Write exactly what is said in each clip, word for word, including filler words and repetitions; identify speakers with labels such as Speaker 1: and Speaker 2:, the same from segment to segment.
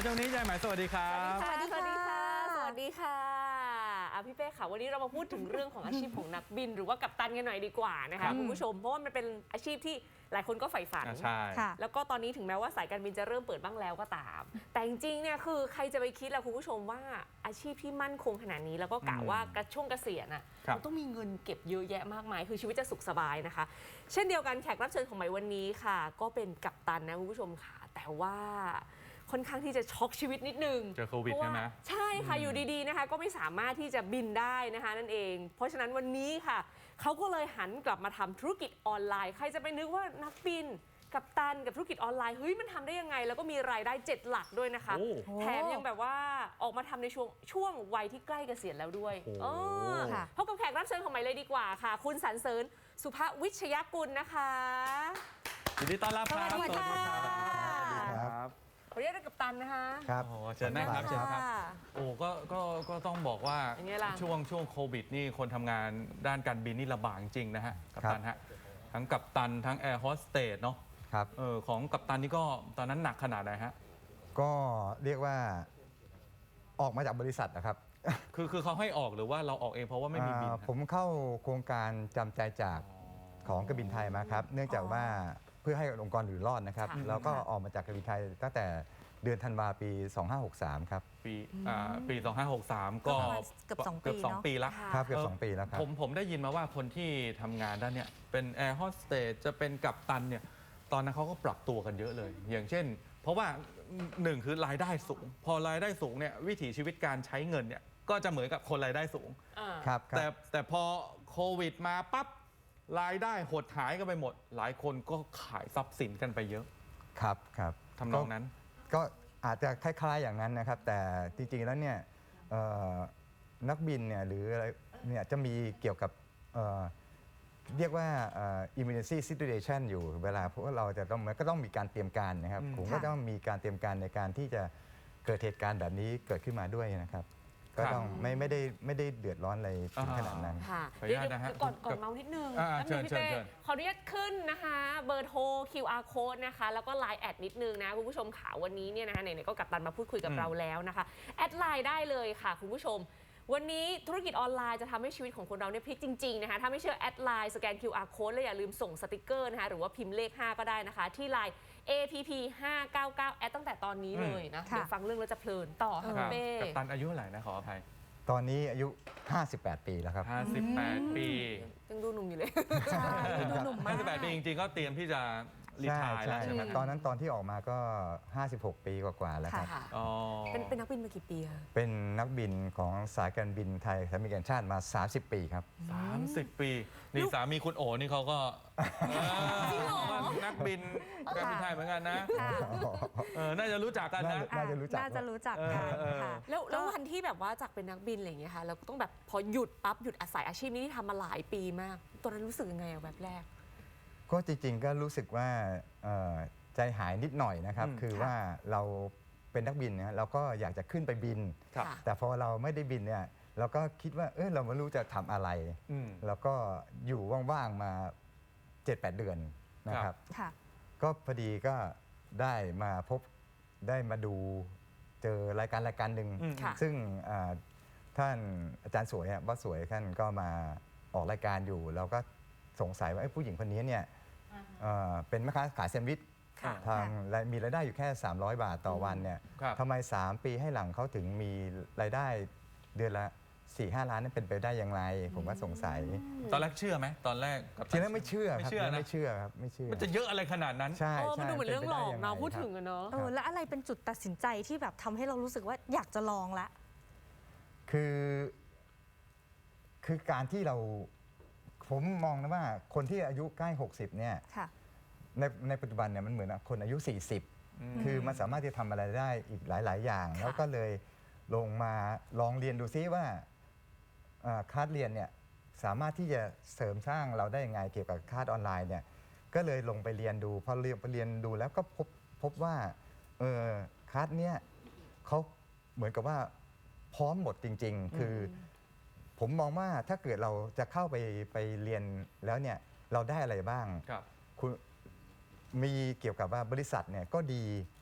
Speaker 1: ช่วงนี้ยายหมายสวัสดีครับ
Speaker 2: สวัสดีค่ะสวัสดีค่ะอ่ะพี่เป้ค่ะวันนี้เรามาพูดถึงเรื่องของอาชีพของนักบินหรือว่ากัปตันกันหน่อยดีกว่านะคะคุณผู้ชมเพราะว่ามันเป็นอาชีพที่หลายคนก็ใฝ่ฝัน
Speaker 1: ใช่
Speaker 2: แล้วก็ตอนนี้ถึงแม้ว่าสายการบินจะเริ่มเปิดบ้างแล้วก็ตาม แต่จริงๆเนี่ยคือใครจะไปคิดล่ะคุณผู้ชมว่าอาชีพที่มั่นคงขนาดนี้แล้วก็กะว่ากระช่วงเกษียณอ่ะมันต้องมีเงินเก็บเยอะแยะมากมายคือชีวิตจะสุขสบายนะคะ เช่นเดียวกันแขกรับเชิญของใหม่วันนี้ค่ะก็เป็นกัปตันนะคุณผู้ชมค่ะแต่ว่าค่อนข้างที่จะช็อกชีวิตนิดนึง
Speaker 1: เจอโควิดใช่ไหม
Speaker 2: ใช่ค่ะอยู่ดีๆนะคะก็ไม่สามารถที่จะบินได้นะคะนั่นเองเพราะฉะนั้นวันนี้ค่ะเขาก็เลยหันกลับมาทำธุรกิจออนไลน์ใครจะไปนึกว่านักบินกัปตันกับธุรกิจออนไลน์เฮ้ยมันทำได้ยังไงแล้วก็มีรายได้เจ็ดหลักด้วยนะคะแถมยังแบบว่าออกมาทำในช่วงช่วงวัยที่ใกล้เกษียณแล้วด้วยพบกับแขกรับเชิญของใหม่เลยดีกว่าค่ะคุณสรรเสริญสุภวิชยกุลนะคะ
Speaker 1: ยินดีต้อนรับครับ
Speaker 2: สวัสดีค่ะ
Speaker 1: ครับ
Speaker 2: ขอเรียกกัปตันนะคะ
Speaker 3: ครับ
Speaker 1: เชิญนะครับเชิญครับโอ้ก็ก็ก็ต้องบอกว่าช่วงช่วงโควิดนี่คนทำงานด้านการบินนี่ลำบากจริงนะฮะกัปตันฮะทั้งกัปตันทั้งแอร์โฮสเตสเนาะ
Speaker 3: ครับ
Speaker 1: เออของกัปตันนี่ก็ตอนนั้นหนักขนาดไหนฮะ
Speaker 3: ก็เรียกว่าออกมาจากบริษัทนะครับ
Speaker 1: คือคือเขาให้ออกหรือว่าเราออกเองเพราะว่าไม่มีบิน
Speaker 3: ผมเข้าโครงการจำใจจากของการบินไทยมาครับเนื่องจากว่าเพื่อให้องค์กรอยู่รอดนะครับแล้วก็ออกมาจากการบินไทยตั้งแต่เดือนธันวาปีสองพันห้าร้อยหกสิบสามครับ
Speaker 1: ปีอ่าปีสองพันห้าร้อยหกสิบสามก็
Speaker 4: เกือบสองปี
Speaker 1: เกือบสองปีแล้ว
Speaker 3: ครับเกือบสองปีแล้วครับ
Speaker 1: ผมผมได้ยินมาว่าคนที่ทำงานด้านเนี้ยเป็นแอร์โฮสเตสจะเป็นกัปตันเนี่ยตอนนั้นเขาก็ปรับตัวกันเยอะเลย อย่างเช่นเพราะว่าหนึ่งคือรายได้สูงพอรายได้สูงเนี่ยวิถีชีวิตการใช้เงินเนี่ยก็จะเหมือนกับคนรายได้สูง
Speaker 3: ครับ
Speaker 1: แต่แต่พอโควิดมาปั๊บรายได้หดหายกันไปหมดหลายคนก็ขายทรัพย์สินกันไปเยอะ
Speaker 3: ครับครับ
Speaker 1: ทำนองนั้น
Speaker 3: ก็อาจจะคล้ายๆอย่างนั้นนะครับแต่จริงๆแล้วเนี่ยนักบินเนี่ยหรืออะไรเนี่ยจะมีเกี่ยวกับเรียกว่า emergency situation อยู่เวลาเพราะว่าเราจะต้องมันก็ต้องมีการเตรียมการนะครับผมก็ต้องมีการเตรียมการในการที่จะเกิดเหตุการณ์แบบนี้เกิดขึ้นมาด้วยนะครับก็ต้องไม่ไม่ได้ไม่ได้เดือดร้อนอะไรถึงขนาดนั้น
Speaker 2: ค่ะเดี๋ยวก่อนก่อนเมานิดนึงแล้วมีพี่เต้ขออนุญาตขึ้นนะคะเบอร์โทร คิว อาร์ Code นะคะแล้วก็ ไลน์ แอดนิดนึงนะคุณผู้ชมข่าววันนี้เนี่ยนะคะไหนๆก็กัปตันมาพูดคุยกับเราแล้วนะคะแอดไลน์ได้เลยค่ะคุณผู้ชมวันนี้ธุรกิจออนไลน์จะทำให้ชีวิตของคนเราเนี่ยพลิกจริงๆนะคะถ้าไม่เชื่อแอดไลน์สแกน คิว อาร์ Code แล้วอย่าลืมส่งสติกเกอร์นะคะหรือว่าพิมพ์เลขห้าก็ได้นะคะที่ไลน์ เอ พี พี ห้าเก้าเก้า แอดตั้งแต่ตอนนี้เลยนะเดี๋ยวฟังเรื่องแล้วจะเพลินต่อค่ะเป้
Speaker 1: กัปตันอายุเท่าไหร่นะขออภัย
Speaker 3: ตอนนี้อายุห้าสิบแปดปีแล้วครับ
Speaker 1: ห้าสิบแปดปี
Speaker 2: ยังดูหนุ่มอยู่เลย
Speaker 4: ใช่ดูหนุ่มมาก
Speaker 1: ห้าสิบแปดปีจริงๆก็เตรียมที่จะรีไทร์แล้วใช่ไหม
Speaker 3: ตอนนั้นตอนที่ออกมาก็ห้าสิบหกปีกว่าๆแล้วครับ
Speaker 2: เป็นเป็นนักบินมากี่ปีคะ
Speaker 3: เป็นนักบินของสายการบินไทยสายการบินแห่งชาติมาสามสิบปีครับ
Speaker 1: สามสิบปีนี่สามีคุณโอ๋นี่เขาก็นักบินการบินไทยเหมือนกันนะน่าจะรู้จักกันนะ
Speaker 3: น่าจะรู้จัก
Speaker 4: น่าจะรู้จักกันค่ะ
Speaker 2: แล้วแล้ววันที่แบบว่าจากเป็นนักบินอะไรอย่างเงี้ยค่ะเราก็ต้องแบบพอหยุดปั๊บหยุดอาศัยอาชีพนี้ที่ทำมาหลายปีมากตอนนั้นรู้สึกยังไงแบบแรก
Speaker 3: ก็จริงๆก็รู้สึกว่าใจหายนิดหน่อยนะครับคือว่าเราเป็นนักบินนะเราก็อยากจะขึ้นไปบินแต่พอเราไม่ได้บินเนี่ยเราก็คิดว่าเออเราไม่รู้จะทำอะไรแล้วก็อยู่ว่างๆมา เจ็ดแปด เดือนนะครับก็พอดีก็ได้มาพบได้มาดูเจอรายการรายการหนึ่งซึ่งท่านอาจารย์สวยว่าสวยท่านก็มาออกรายการอยู่แล้วก็สงสัยว่าผู้หญิงคนนี้เนี่ยเป็นแม่ค้าขายแซนด์วิชทางมีรายได้อยู่แค่สามร้อยบาทต่อวันเนี่ยทำไมสามปีให้หลังเขาถึงมีรายได้เดือนละ สี่ห้า ล้านนั้นเป็นไปได้อย่างไรผมก็สงสัย
Speaker 1: ตอนแรกเชื่อไหมตอนแรก
Speaker 3: ทีนั้นไม่เชื่อครับไม่เชื่อครับไม่เชื่อ
Speaker 1: มันจะเยอะอะไรขนาดนั้น
Speaker 3: ใช่
Speaker 2: มันดูเหมือนเรื่องหลอกเนาะพูดถึงอะเนาะ
Speaker 4: แล้วอะไรเป็นจุดตัดสินใจที่แบบทำให้เรารู้สึกว่าอยากจะลองละ
Speaker 3: คือคือการที่เราผมมองนะว่าคนที่อายุใกล้หกสิบเนี่ยในในปัจจุบันเนี่ยมันเหมือนคนอายุสี่สิบคือมันสามารถที่จะทำอะไรได้อีกหลายๆอย่างแล้วก็เลยลงมาลองเรียนดูซิว่าคลาสเรียนเนี่ยสามารถที่จะเสริมสร้างเราได้ยังไงเกี่ยวกับคลาสออนไลน์เนี่ยก็เลยลงไปเรียนดูพอเรียนไปเรียนดูแล้วก็พบพบว่าเออคลาสเนี้ยเขาเหมือนกับว่าพร้อมหมดจริงๆคือผมมองว่าถ้าเกิดเราจะเข้าไปไปเรียนแล้วเนี่ยเราได้อะไรบ้างคุณมีเกี่ยวกับว่าบริษัทเนี่ยก็ดี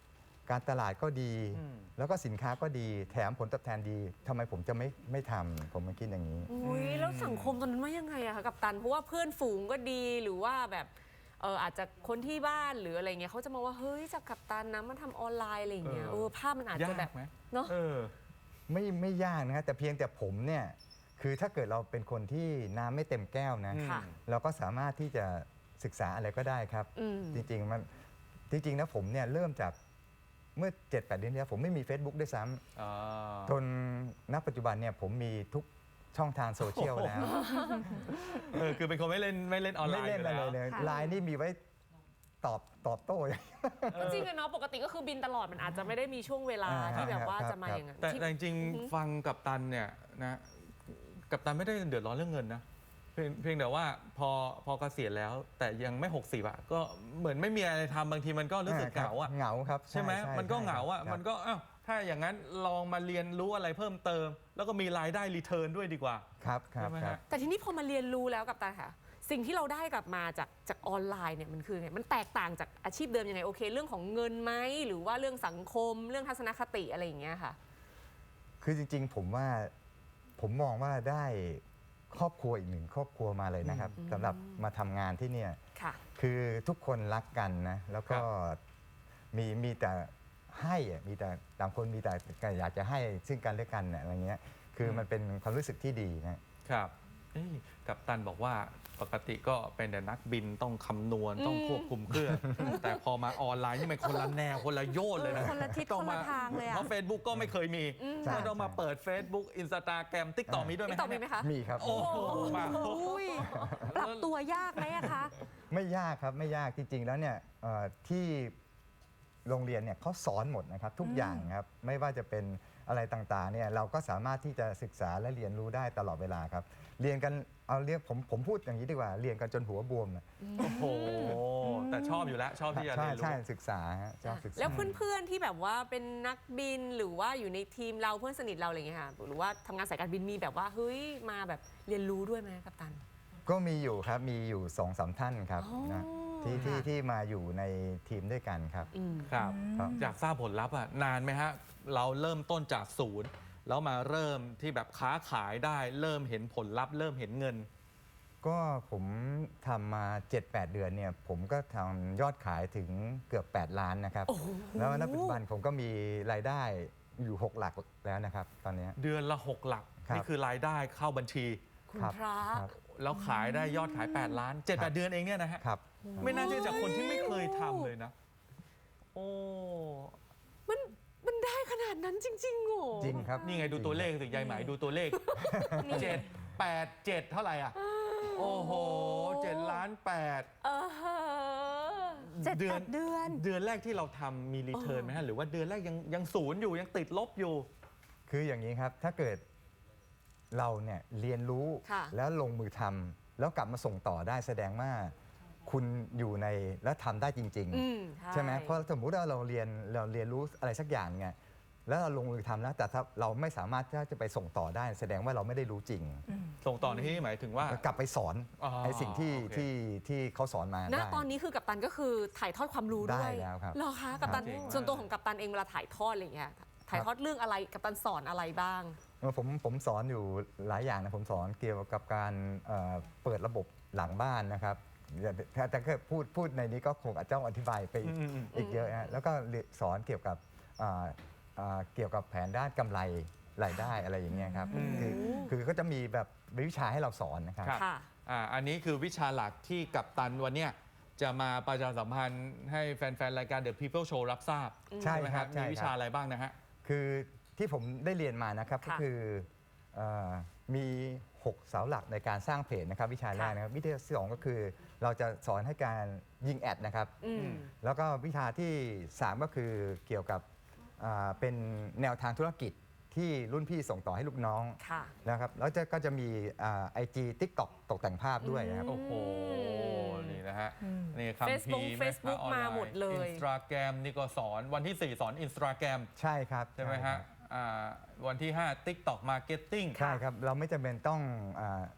Speaker 3: การตลาดก็ดี
Speaker 1: อืม
Speaker 3: แล้วก็สินค้าก็ดีแถมผลตอบแทนดีทำไมผมจะไม่ไม่ทำผมไม่คิดอย่างนี้
Speaker 2: อุ้ยแล้วสังคมตอนนั้นว่ายังไงอะคะกัปตันเพราะว่าเพื่อนฝูงก็ดีหรือว่าแบบเอออาจจะคนที่บ้านหรืออะไรเงี้ยเขาจะมาว่าเฮ้ยจากกัปตันนะมาทำออนไลน์อะไรอย่างเงี้ย
Speaker 1: เอ
Speaker 2: เอ
Speaker 1: อ
Speaker 2: อภาพมันอาจจะแบบ
Speaker 1: ยากไหม
Speaker 2: เนาะ
Speaker 1: เออ
Speaker 3: ไม่ไม่ยากนะฮะแต่เพียงแต่ผมเนี่ยคือถ้าเกิดเราเป็นคนที่น้ำไม่เต็มแก้วนะ
Speaker 2: ค่ะ
Speaker 3: เราก็สามารถที่จะศึกษาอะไรก็ได้ครับ
Speaker 2: อืม
Speaker 3: จริงๆมันจริงๆนะผมเนี่ยเริ่มจากเมื่อ เจ็ดแปด เดือนที่แล้วผมไม่มี Facebook ด้วยซ้
Speaker 1: อ่า
Speaker 3: ำจนณปัจจุบันเนี่ยผมมีทุกช่องทางโซเชียลแล้ว
Speaker 1: เออคือเป็นคนไม่เล่นไม่เล่นออนไล
Speaker 3: ไม่
Speaker 1: น์
Speaker 3: เล่น
Speaker 1: อยู่
Speaker 3: อะไร
Speaker 1: แล้ว
Speaker 3: เลย
Speaker 4: ค่ะ
Speaker 3: ไลน์นี่มีไว้ตอบตอบโต้
Speaker 2: ก็จริงอะเนาะปกติก็คือบินตลอดมันอาจจะไม่ได้มีช่วงเวลา
Speaker 3: อ่า
Speaker 2: ที่แบบว่า
Speaker 3: ครับ
Speaker 2: จะมา
Speaker 3: ครับ
Speaker 2: อย่างนั้น
Speaker 1: แต่
Speaker 2: ที่
Speaker 1: แต่จริง
Speaker 2: อือฮึ
Speaker 1: ๆฟังกับตันเนี่ยนะกับตันไม่ได้เดือดร้อนเรื่องเงินนะเพียงเพียงแต่ว่าพอพอเกษียณแล้ว แต่ยังไม่หกสิบอะก็เหมือนไม่มีอะไรทำบางทีมันก็รู้สึกเหงาอะ
Speaker 3: เหงาครับ
Speaker 1: ใช่ไหมมันก็เหงาอะ
Speaker 3: ใช่ครับ
Speaker 1: มันก็อ้าวถ้าอย่างนั้นลองมาเรียนรู้อะไรเพิ่มเติม แล้วก็มีรายได้รีเทิร์นด้วยดีกว่า
Speaker 3: ครับครับ
Speaker 1: ใช่ไหม
Speaker 3: ค
Speaker 1: ฮะ
Speaker 3: รับ
Speaker 2: แต่ทีนี้พอมาเรียนรู้แล้วกับตันค่ะ สิ่งที่เราได้กลับมาจากจากออนไลน์เนี่ยมันคือไงมันแตกต่างจากอาชีพเดิมยังไงโอเค เรื่องของเงินไหมหรือว่าเรื่องสังคมเรื่องทัศนคติอะไรอย่างเงี้ยค่ะ
Speaker 3: คือจริงๆ ผมว่าผมมองว่าได้ครอบครัวอีกหนึ่งครอบครัวมาเลยนะครับ
Speaker 2: อืม
Speaker 3: สำหรับมาทำงานที่เนี่ย
Speaker 2: ค่ะ
Speaker 3: คือทุกคนรักกันนะแล้วก็
Speaker 1: ครับ
Speaker 3: มีมีแต่ให้อะมีแต่ต่างคนมีแต่อยากจะให้ซึ่งกันและกันน่ะอะไรเงี้ยคือมันเป็นความรู้สึกที่ดีนะ
Speaker 1: ครับเอ้ยกัปตันบอกว่าปกติก็เป็นแต่นักบินต้องคำนวณต้องควบคุมเครื่อง แต่พอมาออนไลน์นี่มันคนละแนวคนละโยชน์เลยนะ
Speaker 4: คนละทิศ
Speaker 1: ต้อง
Speaker 4: คนละทางเลยอะ
Speaker 1: เพราะ Facebook ก็ไม่เคยมี
Speaker 3: ใช่
Speaker 1: ก็ต้องมาเปิด Facebook Instagram TikTok มีด้วยไหม
Speaker 2: นี่ตอบมีไหมคะ
Speaker 3: มีครับ
Speaker 1: โอ้โหมา
Speaker 4: อุ้ยปรับตัวยากไหมอะคะ
Speaker 3: ไม่ยากครับไม่ยากจริง ๆ แล้วเนี่ยเอ่อที่โรงเรียนเนี่ยเขาสอนหมดนะครับทุกอย่างครับไม่ว่าจะเป็นอะไรต่างๆเนี่ยเราก็สามารถที่จะศึกษาและเรียนรู้ได้ตลอดเวลาครับเรียนกันเอาเรียกผมผมพูดอย่างนี้ดีกว่าเรียนกันจนหัวบวมนะ
Speaker 1: โอ้โหแต่ชอบอยู่แล้วชอบที่จะ
Speaker 3: ใช่
Speaker 1: เรียนรู้
Speaker 3: ใช่ศึกษาฮะชอบศึกษา
Speaker 2: แล้วเพื่อนๆที่แบบว่าเป็นนักบินหรือว่าอยู่ในทีมเราเพื่อนสนิทเราอะไรอย่างเงี้ยค่ะหรือว่าทำงานสายการบินมีแบบว่าเฮ้ยมาแบบเรียนรู้ด้วยไหมกัปตัน
Speaker 3: ก็มีอยู่ครับมีอยู่สองสามท่านครับ
Speaker 2: อ๋อ
Speaker 3: นะที่ที่
Speaker 2: ค่ะ
Speaker 3: ที่มาอยู่ในทีมด้วยกันครับ
Speaker 2: อืม
Speaker 1: ครับ
Speaker 3: ครับ
Speaker 1: อยากทราบผลลัพธ์อะนานไหมฮะ เราเริ่มต้นจากศูนย์ แล้วมาเริ่มที่แบบค้าขายได้ เริ่มเห็นผลลัพธ์เริ่มเห็นเงิน
Speaker 3: ก็ผมทำมา เจ็ดแปด เดือนเนี่ยผมก็ทำยอดขายถึงเกือบ แปด ล้านนะครับ
Speaker 2: โอ้โห
Speaker 3: แล้วณปัจจุบันผมก็มีรายได้อยู่ หก หลักแล้วนะครับตอนเนี้ย
Speaker 1: เดือนละหกหลัก
Speaker 3: ครับ
Speaker 1: นี่คือรายได้เข้าบัญชี
Speaker 2: คุณ
Speaker 3: ครับ
Speaker 2: พระ
Speaker 3: ครับ
Speaker 1: แล้วขายได้ยอดขาย แปด ล้าน เจ็ดแปด เดือนเองเนี่ยนะฮะ
Speaker 3: ครับ
Speaker 1: ไม่น่าเชื่อจากคนที่ไม่เคยทำเลยนะ โอ้
Speaker 2: มันมันได้ขนาดนั้นจริงๆเหรอ
Speaker 3: จริงครับ
Speaker 1: นี่ไงดูตัวเลขสิยายไหมดูตัวเลขเจ็ดแปดเจ็ดเท่าไหร่อ่ะ โอ้โหเจ็ดล้านแปด
Speaker 2: เออฮะ
Speaker 4: เจ็ดแปดเดือน
Speaker 1: เดือนแรกที่เราทำมีรีเทิร์นไหมฮะ หรือว่าเดือนแรกยังยังศูนย์อยู่ยังติดลบอยู่
Speaker 3: คืออย่างนี้ครับถ้าเกิดเราเนี่ยเรียนรู้
Speaker 2: ค่ะ
Speaker 3: แล้วลงมือทำแล้วกลับมาส่งต่อได้แสดงว่าคุณอยู่ในและทำได้จริง
Speaker 2: อืม
Speaker 3: ๆ ใช่ไหมเพราะสมมุติว่าเราเรียนเราเรียนรู้อะไรสักอย่างไงแล้วเราลงมือทำแล้วแต่ถ้าเราไม่สามารถที่จะไปส่งต่อได้ แสดงว่าเราไม่ได้รู้จริง
Speaker 1: ส่งต่อในที่นี้หมายถึงว่า
Speaker 3: กลับไปสอน
Speaker 1: อ๋อ
Speaker 3: ไอ้สิ่งที่
Speaker 1: โอเค
Speaker 3: ที่ที่เขาสอนมา
Speaker 2: ณ
Speaker 3: ได้
Speaker 2: ตอนนี้คือกัปตันก็คือถ่ายทอดความรู้ด้วย
Speaker 3: ได้แล้วครับ
Speaker 2: เหรอคะกัปตัน
Speaker 1: เจ๋งมาก
Speaker 2: ส่วนตัวของกัปตันเองเวลาถ่ายทอดอะไรอย่างเงี้ยถ่ายทอดเรื่องอะไรกัปตันสอนอะไรบ้าง
Speaker 3: เออผมผมสอนอยู่หลายอย่างนะผมสอนเกี่ยวกับการเอ่อเปิดระบบหลังบ้านนะครับแต่แต่ก็พูดพูดในนี้ก็คงอาจจะต้องอธิบายไป
Speaker 1: อืมอืม
Speaker 3: อีกเยอะนะแล้วก็เรียนสอนเกี่ยวกับอ่าอ่าเกี่ยวกับแผนด้านกำไรรายได้อะไรอย่างเงี้ยครับ
Speaker 1: อืม
Speaker 3: คือคือก็จะมีแบบวิชาให้เราสอนนะครับ
Speaker 1: ครับ
Speaker 2: ค่ะ
Speaker 1: อ่าอันนี้คือวิชาหลักที่กัปตันวันเนี้ยจะมาประชาสัมพันธ์ให้แฟน ๆ รายการ The People Show รับทราบ
Speaker 3: ใช่
Speaker 1: ไหม
Speaker 3: ครับ
Speaker 1: มี
Speaker 3: ใช่
Speaker 1: วิ
Speaker 3: ค
Speaker 1: ชา
Speaker 3: รับ
Speaker 1: อะไรบ้างนะฮะ
Speaker 3: คือที่ผมได้เรียนมานะครับก็
Speaker 2: ค่ะ
Speaker 3: คือเอ่อมี หก เสาหลักในการสร้างเพจนะครับวิชาแรกนะครับวิชาที่สองก็คือเราจะสอนให้การยิงแอดนะครับ
Speaker 2: อืม
Speaker 3: แล้วก็วิชาที่ สาม ก็คือเกี่ยวกับอ่าเป็นแนวทางธุรกิจที่รุ่นพี่ส่งต่อให้ลูกน้อง
Speaker 2: ค่ะ
Speaker 3: นะครับแล้วจะก็จะมีไอจีทิกตอกตกแต่งภาพด้วยนะครับ
Speaker 1: โอ้โห นี่นะฮะ นี่คำ
Speaker 2: Facebook
Speaker 1: พีร์
Speaker 2: Facebook มาหมดเลย
Speaker 1: อินสตาแกรมนี่ก็สอนวันที่ สี่ สอนอินสตาแกรม
Speaker 3: ใช่ครับ
Speaker 1: ใช่ไหมฮะอ่าวันที่ ห้า TikTok Marketing
Speaker 3: ใช่ครับเราไม่จำเป็นต้องอา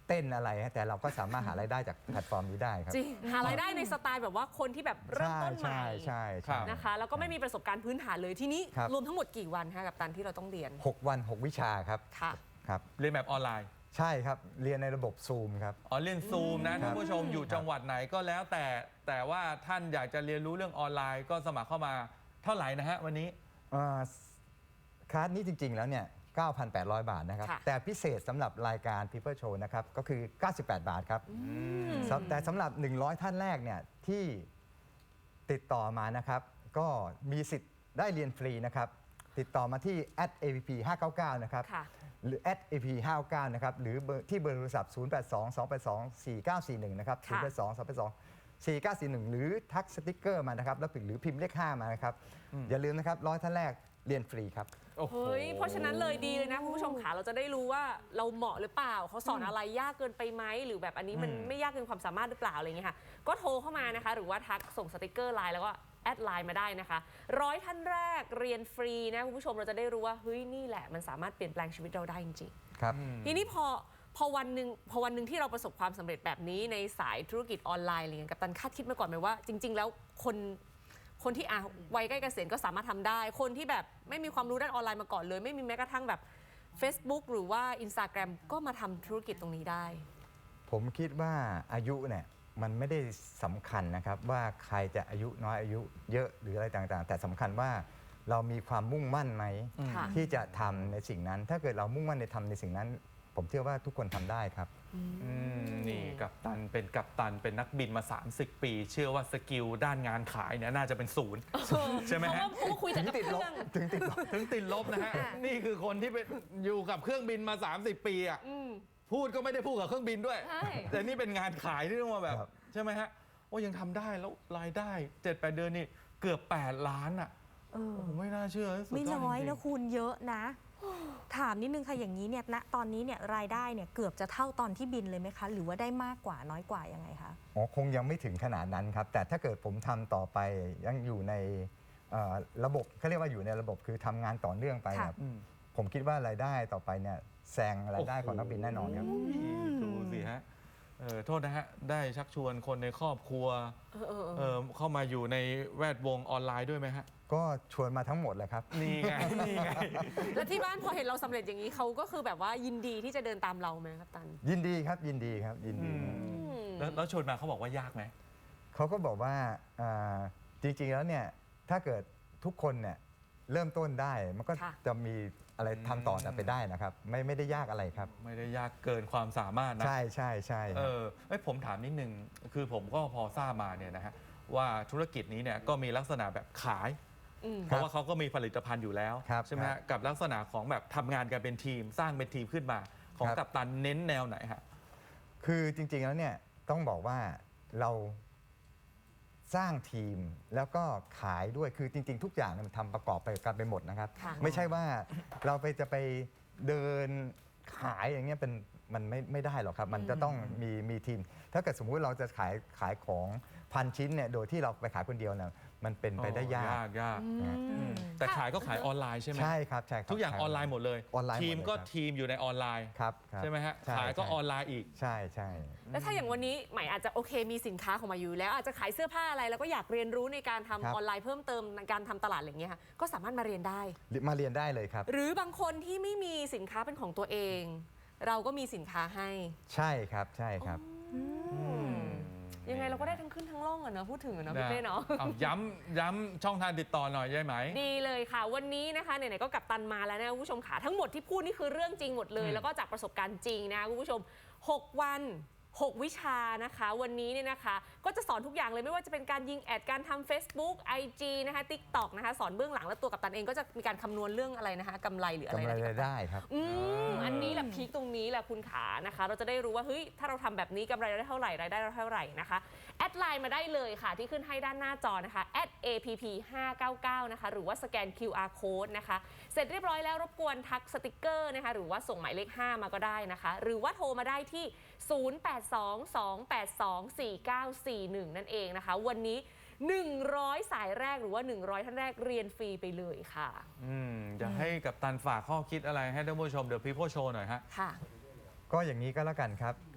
Speaker 3: เต้นอะไรฮะแต่เราก็สามารถหารายได้จากแพลตฟอร์มนี้ได้ครับ
Speaker 2: จริงหารายได้ในสไตล์แบบว่าคนที่แบบเริ่มต้นใหม่
Speaker 3: ใช่ใช่ใช่
Speaker 2: นะคะแล้วก็ไม่มีประสบการณ์พื้นฐานเลยทีนี้
Speaker 3: ครับ
Speaker 2: รวมทั้งหมดกี่วันคะกับตันที่เราต้องเรียน
Speaker 3: หกวันหกวิชาครับ
Speaker 2: ค่ะ
Speaker 3: ครับ
Speaker 1: เรียนแบบออนไลน์
Speaker 3: ใช่ครับเรียนในระบบซูมครับ
Speaker 1: อ๋อเรียนซูมนะ
Speaker 3: ครั
Speaker 1: ท่า
Speaker 3: บ
Speaker 1: นผู้ชมอยู่จังหวัดไหนก็แล้วแต่แต่ว่าท่านอยากจะเรียนรู้เรื่องออนไลน์ก็สมัครเข้ามาเท่าไหร่นะฮะวันนี้
Speaker 3: เอ่อคลาสนี้จริง ๆ แล้วเนี่ย เก้าพันแปดร้อย บาทนะครับ
Speaker 2: ค่ะ
Speaker 3: แต่พิเศษสำหรับรายการ People Show นะครับ ก็คือ เก้าสิบแปด บาทครับสำแต่สำหรับ หนึ่งร้อย ท่านแรกเนี่ยที่ติดต่อมานะครับ ก็มีสิทธิ์ได้เรียนฟรีนะครับ ติดต่อมาที่ แอท เอ พี พี ห้าเก้าเก้า นะครับ
Speaker 2: ค่ะ
Speaker 3: หรือ แอท เอ พี ห้าเก้าเก้า นะครับ หรือเบอร์ที่เบอร์โทรศัพท์ ศูนย์ แปด สอง สอง แปด สอง สี่ เก้า สี่ หนึ่ง นะครับ ศูนย์ แปด สอง สอง แปด สอง สี่ เก้า สี่ หนึ่ง หรือทักสติกเกอร์มานะครับ แล้วหรือพิมพ์เลขห้ามานะครับ อย่าลืมนะครับร้อยท่านแรกเรียนฟรีครับ
Speaker 1: โอ้โห
Speaker 2: เฮ้ยเพราะฉะนั้นเลยดีเลยนะคุณผู้ชมค่ะเราจะได้รู้ว่าเราเหมาะหรือเปล่าเขาสอนอะไรยากเกินไปไหมหรือแบบอันนี้มัน
Speaker 1: อืม
Speaker 2: ไม่ยากเกินความสามารถหรือเปล่าอะไรอย่างเงี้ยค่ะก็โทรเข้ามานะคะ หรือว่าทักส่งสติกเกอร์ไลน์แล้วก็แอดไลน์มาได้นะคะร้อยท่านแรกเรียนฟรีนะคุณผู้ชมเราจะได้รู้ว่าเฮ้ยนี่แหละมันสามารถเปลี่ยนแปลงชีวิตเราได้จริงๆ
Speaker 3: ครับ
Speaker 2: ทีนี้พอพอวันหนึ่งพอวันหนึ่งที่เราประสบความสำเร็จแบบนี้ในสายธุรกิจออนไลน์อะไรเงี้ยกัปตันคาดคิดมาก่อนไหมว่าจริง ๆ แล้วคนคนที่อ่ะวัยใกล้เกษียณก็สามารถทำได้ คนที่แบบไม่มีความรู้ด้านออนไลน์มาก่อนเลย ไม่มีแม้กระทั่งแบบ Facebook หรือว่า Instagram ก็มาทำธุรกิจตรงนี้ได้
Speaker 3: ผมคิดว่าอายุเนี่ยมันไม่ได้สำคัญนะครับว่าใครจะอายุน้อยอายุเยอะหรืออะไรต่างๆ แต่สำคัญว่าเรามีความมุ่งมั่นไหม
Speaker 2: ค่ะ
Speaker 3: ที่จะทำในสิ่งนั้น ถ้าเกิดเรามุ่งมั่นในทำในสิ่งนั้น ผมเชื่อว่าทุกคนทำได้ครับ
Speaker 1: อืมนี่กัปตันเป็นกัปตันเป็นนักบินมา สามสิบ ปี เชื่อว่าสกิลด้านงานขายเนี่ยน่าจะเป็นศูนย์ ใช่ไหม
Speaker 2: เพราะ
Speaker 1: ฮะ
Speaker 2: ว่าเพราะว่าคุยแต่กับ
Speaker 3: ติด
Speaker 2: เค
Speaker 3: ล
Speaker 2: รื่
Speaker 3: บ
Speaker 2: อง
Speaker 3: ถึงติดลบ
Speaker 1: ถึงติดลบนะฮะ นี่คือคนที่เป็นอยู่กับเครื่องบินมา สามสิบ ปีอ่ะ
Speaker 2: อืม
Speaker 1: พูดก็ไม่ได้พูดกับเครื่องบินด้วย
Speaker 2: ใช่
Speaker 1: แต่นี่เป็นงานขายที่ต้องมาแบบ
Speaker 3: ครับ
Speaker 1: ใช่ไหมฮะโอ้ยังทำได้แล้วรายได้เจ็ดแปดเดือนนี่เกือบ แปด ล้านอ่ะ
Speaker 4: เออ
Speaker 1: โอ้โหไม่น่าเชื่อสุด
Speaker 4: ไม่
Speaker 1: ยอด
Speaker 4: น้อย
Speaker 1: จริงๆ
Speaker 4: นะคุณเยอะนะ ถามนิดนึงค่ะอย่างนี้เนี่ยณตอนนี้เนี่ยรายได้เนี่ยเกือบจะเท่าตอนที่บินเลยไหมคะ หรือว่าได้มากกว่าน้อยกว่ายังไงคะ
Speaker 3: อ๋อคงยังไม่ถึงขนาดนั้นครับ แต่ถ้าเกิดผมทำต่อไปยังอยู่ในเอ่อระบบเขาเรียกว่าอยู่ในระบบคือทำงานต่อเนื่องไป
Speaker 4: ค่ะ
Speaker 3: ครับ
Speaker 1: อืม
Speaker 3: ผมคิดว่ารายได้ต่อไปเนี่ยแซงรายได้ของนักบินแน่นอนครับ
Speaker 1: โอ้ยดูสิฮะเออโทษนะฮะ ได้ชักชวนคนในครอบครัว
Speaker 2: เออเออเออ
Speaker 1: เออเข้ามาอยู่ในแวดวงออนไลน์ด้วยไหมฮะ
Speaker 3: ก็ชวนมาทั้งหมดเลยครับ
Speaker 1: นี่ไง นี่ไง
Speaker 2: แล้วที่บ้านพอเห็นเราสำเร็จอย่างนี้เขาก็คือแบบว่ายินดีที่จะเดินตามเราไหมกัปตัน
Speaker 3: ยินดีครับยินดีครับยินดี
Speaker 1: อืม แล้วแล้วชวนมาเขาบอกว่ายากไหม
Speaker 3: เขาก็บอกว่าอ่าจริงๆแล้วเนี่ยถ้าเกิดทุกคนเนี่ยเริ่มต้นได้มันก็
Speaker 2: ค่ะ
Speaker 3: จะมีอะไรทำต่อแต่ไปได้นะครับ ไม่ไม่ได้ยากอะไรครับ
Speaker 1: ไม่ได้ยากเกินความสามารถนะ
Speaker 3: ใช่ใช่ใช่ค
Speaker 1: เอ
Speaker 3: รับ
Speaker 1: อเอ้ยผมถามนิดนึง คือผมก็พอทราบมาเนี่ยนะฮะว่าธุรกิจนี้เนี่ยก็มีลักษณะแบบขาย
Speaker 2: อืม
Speaker 1: เพราะว่าเขาก็มีผลิตภัณฑ์อยู่แล้ว
Speaker 3: ครับ
Speaker 1: ใช่ไหม
Speaker 3: ครั
Speaker 1: ฮะ
Speaker 3: บ
Speaker 1: กับลักษณะของแบบทำงานกันเป็นทีม สร้างเป็นทีมขึ้นมา ของ
Speaker 3: ครับ
Speaker 1: กัปตันเน้นแนวไหนฮะ
Speaker 3: คือจริงๆแล้วเนี่ยต้องบอกว่าเราสร้างทีมแล้วก็ขายด้วยคือจริง ๆ ทุกอย่างเนี่ยมันทำประกอบไปกันไปหมดนะครับ
Speaker 2: ค่ะ
Speaker 3: ไม่ใช่ว่าเราไปจะไปเดินขายอย่างเงี้ยเป็นมันไม่ไม่ได้หรอกครับ มันจะต้องมีมีทีม ถ้าเกิดสมมุติเราจะขายขายของพันชิ้นเนี่ยโดยที่เราไปขายคนเดียวเนี่ยมันเป็นไปได้ยาก
Speaker 1: ยากยาก
Speaker 3: นะ
Speaker 2: อืม
Speaker 1: แต่ขายก็ขายออนไลน์ใช่ไหม
Speaker 3: ใช่ครับใช่ครับ
Speaker 1: ทุกอย่างออนไลน์หมดเลย
Speaker 3: ออนไลน์หมดเลย
Speaker 1: ทีมก็
Speaker 3: ครับ
Speaker 1: ทีมอยู่ในออนไลน์
Speaker 3: ครับครับ
Speaker 1: ใช่ไหมฮะ
Speaker 3: ใช่
Speaker 1: ขายก็
Speaker 3: ใช่
Speaker 1: ออนไลน์อีก
Speaker 3: ใช่ใช่
Speaker 2: แล้วถ้าอย่างวันนี้ใหม่อาจจะโอเคมีสินค้าของมาอยู่แล้วอาจจะขายเสื้อผ้าอะไรแล้วก็อยากเรียนรู้ในการทำ
Speaker 3: ครับ
Speaker 2: ออนไลน์เพิ่มเติมในการทำตลาดอะไรอย่างเงี้ยค่ะก็สามารถมาเรียนได้
Speaker 3: มาเรียนได้เลยครับ
Speaker 2: หรือบางคนที่ไม่มีสินค้าเป็นของตัวเอง เราก็มีสินค้าให้
Speaker 3: ใช่ครับใช่ครับ
Speaker 2: ยังไงเราก็ได้ทั้งขึ้นทั้งล่องอะเนาะพูดถึงอะเนาะพี่เป้เนาะ
Speaker 1: เอาย้ำย้ำช่องทางติดต่อหน่อยได้ไหม
Speaker 2: ดีเลยค่ะ วันนี้นะคะไหนๆก็กลับตันมาแล้วนะคุณผู้ชมค่ะทั้งหมดที่พูดนี่คือเรื่องจริงหมดเลย
Speaker 1: อืม
Speaker 2: แล้วก็จากประสบการณ์จริงนะคุณผู้ชมหกวันหกวิชานะคะ วันนี้เนี่ยนะคะ ก็จะสอนทุกอย่างเลยไม่ว่าจะเป็นการยิงแอดการทำ Facebook ไอ จี นะคะ TikTok นะคะสอนเบื้องหลังแล้วตัวกัปตันเองก็จะมีการคำนวณเรื่องอะไรนะคะกำไรหรืออะไร
Speaker 3: กำไร
Speaker 2: นะ
Speaker 3: รายได้ครับ
Speaker 2: อืมอันนี้แหละพีคตรงนี้แหละคุณขานะคะ เราจะได้รู้ว่าเฮ้ยถ้าเราทำแบบนี้กำไรเราได้เท่าไหร่รายได้เราเท่าไหร่นะคะแอดไลน์มาได้เลยค่ะที่ขึ้นให้ด้านหน้าจอนะคะ แอท เอ พี พี ห้าเก้าเก้า นะคะหรือว่าสแกน คิว อาร์ Code นะคะเสร็จเรียบร้อยแล้วรบกวนทักสติกเกอร์นะคะหรือว่าส่งหมายเลขห้ามาก็ได้นะคะหรือว่าโทรมาได้ที่ ศูนย์ แปด สอง สอง แปด สอง สี่ เก้า สี่ หนึ่ง นั่นเองนะคะวันนี้หนึ่งร้อยสายแรกหรือว่าหนึ่งร้อยท่านแรกเรียนฟรีไปเลยค่ะ
Speaker 1: อืมอยากให้กัปตันฝากข้อคิดอะไรให้ท่านผู้ชมเดี๋ยวพี่โพโชว์หน่อยฮะ
Speaker 2: ค่ะ
Speaker 3: ก็อย่างนี้ก็แล้วกันครับ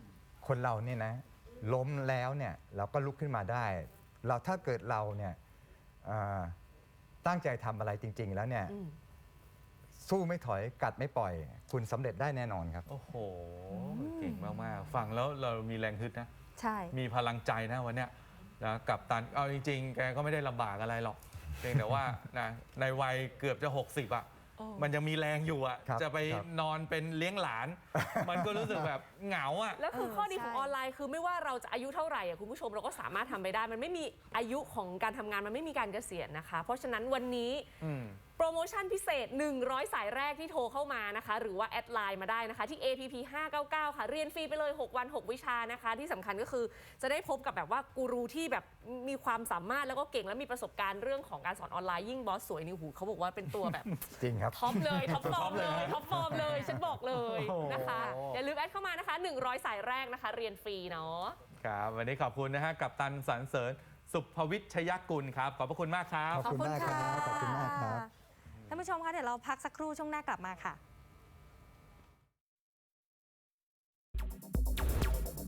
Speaker 3: คนเราเนี่ยนะล้มแล้วเนี่ยเราก็ลุกขึ้นมาได้ เราถ้าเกิดเราเนี่ยอ่าตั้งใจทำอะไรจริง ๆ แล้วเนี่ย
Speaker 2: อืม
Speaker 3: สู้ไม่ถอยกัดไม่ปล่อย คุณสำเร็จได้แน่นอนครับ
Speaker 1: โอ้โห เก่งมาก ๆ ฟังแล้วเรามีแรงฮึดนะ
Speaker 4: ใช่
Speaker 1: มีพลังใจนะวันเนี้ยนะกับตัน เอาจริง ๆ แกก็ไม่ได้ลำบากอะไรหรอก เพียงแต่ว่านะในวัยเกือบจะ หกสิบ อ่ะ
Speaker 2: โอ้
Speaker 1: มันยังมีแรงอยู่อ่ะ
Speaker 3: ครับ
Speaker 1: จะไป
Speaker 3: ครับ
Speaker 1: นอนเป็นเลี้ยงหลาน มันก็รู้สึกแบบเหงาอ่ะ
Speaker 2: แล้วคือ
Speaker 4: เออ
Speaker 2: ข้อดีของ
Speaker 4: ใช่
Speaker 2: ออนไลน์คือไม่ว่าเราจะอายุเท่าไหร่อะคุณผู้ชมเราก็สามารถทำไปได้ มันไม่มีอายุของการทำงานมันไม่มีการเกษียณนะคะ เพราะฉะนั้นวันนี้
Speaker 1: อืม
Speaker 2: โปรโมชั่นพิเศษ หนึ่งร้อย สายแรกที่โทรเข้ามานะคะ หรือว่าแอดไลน์มาได้นะคะ ที่ เอ พี พี ห้าเก้าเก้า ค่ะ เรียนฟรีไปเลย หก วัน หก วิชานะคะ ที่สำคัญก็คือจะได้พบกับแบบว่ากูรูที่แบบมีความสามารถแล้วก็เก่งและมีประสบการณ์เรื่องของการสอนออนไลน์ยิ่งบอสสวยนี่หูเขาบอกว่าเป็นตัวแบบ
Speaker 3: จริงครับ
Speaker 2: ท็อปเลยท็อปฟอร์ม
Speaker 1: ท็อปเล
Speaker 2: เลย ยท็อปฟอร์มเลยฉันบอกเลย
Speaker 1: โอ้โห
Speaker 2: นะคะอย่าลืมแอดเข้ามานะคะ หนึ่งร้อย สายแรกนะคะ เรียนฟรีเนาะ
Speaker 1: ครับ วันนี้ขอบคุณนะฮะ กับตันสรรเสริญ สุภวิทยกุลครับ ขอบพระคุณมากครับ
Speaker 3: ขอบคุณมากครับ ขอบคุณมากครับ
Speaker 4: ท่านผู้ชมคะเดี๋ยวเราพักสักครู่ช่วงหน้ากลับมาค่ะ